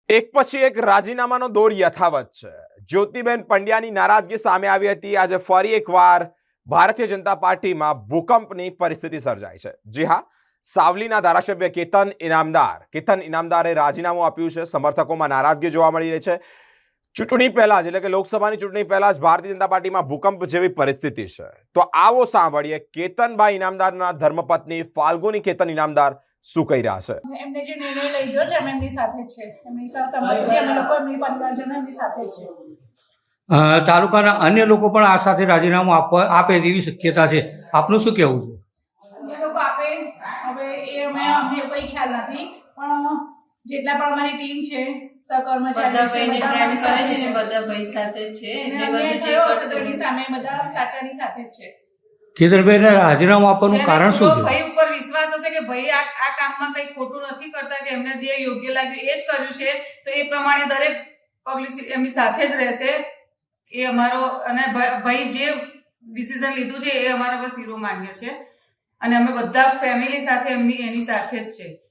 એક પછી એક રાજીનામાનો દોર યથાવત છે. જ્યોતિબેન પંડ્યાની નારાજગી સામે આવી હતી. આજે ફરી એકવાર ભારતીય જનતા પાર્ટીમાં ભૂકંપની પરિસ્થિતિ સર્જાઈ છે. જી હા, સાવલીના ધારાસભ્ય કેતન ઇનામદારે રાજીનામું આપ્યું છે. સમર્થકોમાં નારાજગી જોવા મળી રહી છે. ચૂંટણી પહેલા જ, એટલે કે લોકસભાની ચૂંટણી પહેલા જ ભારતીય જનતા પાર્ટીમાં ભૂકંપ જેવી પરિસ્થિતિ છે. તો આવો સાંભળીએ કેતનભાઈ ઇનામદારના ધર્મપત્ની ફાલ્ગુની કેતન ઇનામદાર શું કહી રહ્યા છે. એમને જે નિર્ણય લઈ ગયો છે અમે એમની સાથે જ છે, એમની સહસંમતિથી અમે લોકો એમની પરિવારજનો એમની સાથે જ છે. તાલુકાના અન્ય લોકો પણ આ સાથે રાજીનામું આપે તેવી શક્યતા છે. આપનું શું કહેવું છે? જે લોકો આપે હવે એ અમને કોઈ ખ્યાલ નથી, પણ જેટલા પણ અમારી ટીમ છે, સહકર્મચારીઓ છે, બધા ભાઈ સાથે જ છે, એટલે બધું જે કરશે તેની સામે બધા સાચાની સાથે જ છે. કેતનભાઈને રાજીનામું આપવાનું કારણ શું છે? ભાઈ ઉપર વિશ્વાસ હશે કે ભાઈ આ કામમાં કઈ ખોટું નથી કરતા, કે એમને જે યોગ્ય લાગ્યું એ જ કર્યું છે, તો એ પ્રમાણે દરેક પબ્લિક એમની સાથે જ રહેશે. એ અમારો, અને ભાઈ જે ડિસિઝન લીધું છે એ અમારા પર શિરોમાન્ય છે, અને અમે બધા ફેમિલી સાથે એની સાથે જ છે.